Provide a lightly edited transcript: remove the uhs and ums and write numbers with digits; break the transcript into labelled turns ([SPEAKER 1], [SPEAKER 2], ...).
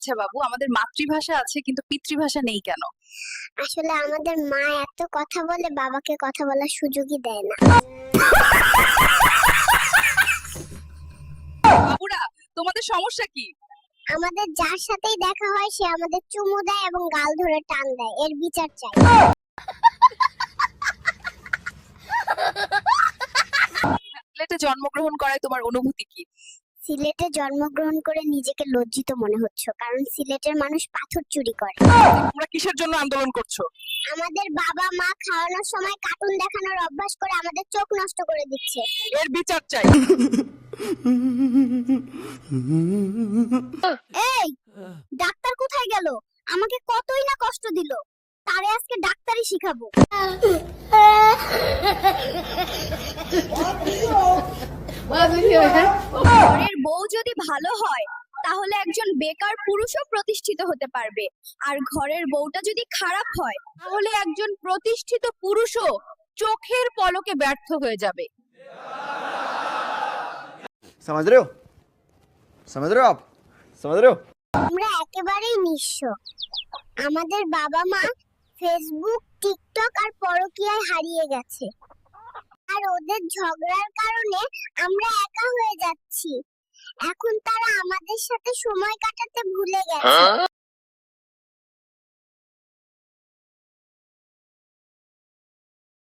[SPEAKER 1] আচ্ছা বাবু, আমাদের মাতৃভাষা আছে কিন্তু পিতৃভাষা নেই কেন?
[SPEAKER 2] আসলে আমাদের মা এত কথা বলে বাবাকে কথা বলার সুযোগই দেয় না।
[SPEAKER 1] বাবুরা, তোমাদের সমস্যা কি?
[SPEAKER 2] আমাদের যার সাথেই দেখা হয় সে আমাদের চুমু দেয় এবং গাল ধরে টান দেয়, এর বিচার চাই।
[SPEAKER 1] সিলেটে জন্মগ্রহণ করায় তোমার অনুভূতি কি?
[SPEAKER 2] সিলেটে জন্মগ্রহণ করে নিজেকে লজ্জিত মনে হচ্ছে, কারণ সিলেটের মানুষ পাথর চুরি করে।
[SPEAKER 1] তোমরা কিসের জন্য আন্দোলন করছো?
[SPEAKER 2] আমাদের বাবা মা খাওয়ানোর সময় কার্টুন দেখানোর অভ্যাস করে আমাদের চোখ নষ্ট করে দিচ্ছে।
[SPEAKER 1] এর বিচার চাই।
[SPEAKER 2] এই ডাক্তার কোথায় গেল? আমাকে কতই না কষ্ট দিল, তারে আজকে ডাক্তারি শিখাবো। ঘরের বউ যদি ভালো হয় তাহলে একজন বেকার পুরুষও প্রতিষ্ঠিত হতে পারবে, আর ঘরের বউটা যদি খারাপ হয়
[SPEAKER 1] তাহলে একজন প্রতিষ্ঠিত পুরুষও চোখের পলকে ব্যর্থ হয়ে যাবে।
[SPEAKER 3] समझ रहे हो समझ रहे हो आप समझ रहे हो
[SPEAKER 2] আমরা একেবারেই নিঃস্ব। আমাদের বাবা মা ফেসবুক, টিকটক আর পরকীয়ায় হারিয়ে গেছে, আর ওদের ঝগড়ার কারণে আমরা একা হয়ে যাচ্ছি। এখন তারা আমাদের সাথে সময় কাটাতে ভুলে গেছে।